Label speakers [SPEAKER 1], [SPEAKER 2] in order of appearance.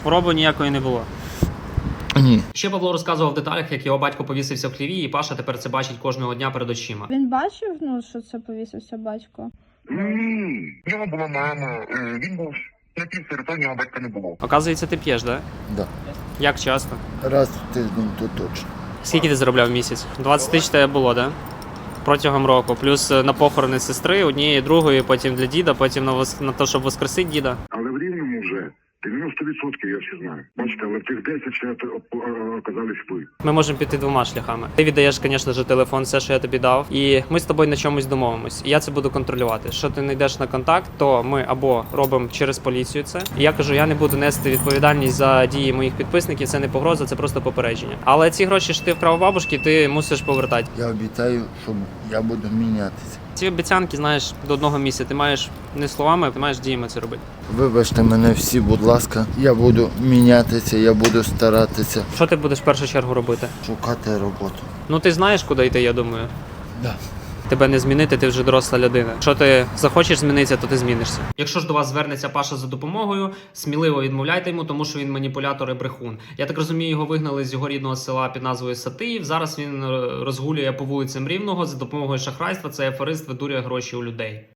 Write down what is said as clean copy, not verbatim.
[SPEAKER 1] Хвороби ніякої не було.
[SPEAKER 2] Ні.
[SPEAKER 1] Ще Павло розказував в деталях, як його батько повісився в хліві, і Паша тепер це бачить кожного дня перед очима.
[SPEAKER 3] Він бачив, що це повісився батько?
[SPEAKER 4] Ні, в нього була мама, він був на півсері, то в нього батька не було.
[SPEAKER 1] Оказується, ти п'єш, да?
[SPEAKER 2] Да.
[SPEAKER 1] Як часто?
[SPEAKER 2] Раз в тиждень то точно.
[SPEAKER 1] Скільки ти заробляв в місяць? 20 тисяч тебе було, да? Протягом року. Плюс на похорони сестри, однієї, другої, потім для діда, потім на те, щоб воскресити діда.
[SPEAKER 4] Але в Рівному вже 90% я всі знаю. Бачите, але в тих 10 ще оказались ви.
[SPEAKER 1] Ми можемо піти двома шляхами. Ти віддаєш, звісно ж, телефон, все, що я тобі дав, і ми з тобою на чомусь домовимось. І я це буду контролювати. Що ти не йдеш на контакт, то ми або робимо через поліцію це. І я кажу, я не буду нести відповідальність за дії моїх підписників, це не погроза, це просто попередження. Але ці гроші, що ти вкрав у бабушки, ти мусиш повертати.
[SPEAKER 2] Я обіцяю, що я буду мінятися.
[SPEAKER 1] Ці обіцянки, знаєш, до одного місця. Ти маєш не словами, ти маєш діями це робити.
[SPEAKER 2] Вибачте мене всі, будь ласка. Я буду мінятися, я буду старатися
[SPEAKER 1] Що ти будеш в першу чергу робити?
[SPEAKER 2] шукати роботу.
[SPEAKER 1] Ну ти знаєш, куди йти, я думаю.
[SPEAKER 2] Да.
[SPEAKER 1] Тебе не змінити, ти вже доросла людина. Якщо ти захочеш змінитися, то ти змінишся. Якщо ж до вас звернеться Паша за допомогою, сміливо відмовляйте йому, тому що він маніпулятор і брехун. Я так розумію, його вигнали з його рідного села під назвою Сатиїв. Зараз він розгулює по вулицям Рівного за допомогою шахрайства. Цей аферист видурює гроші у людей.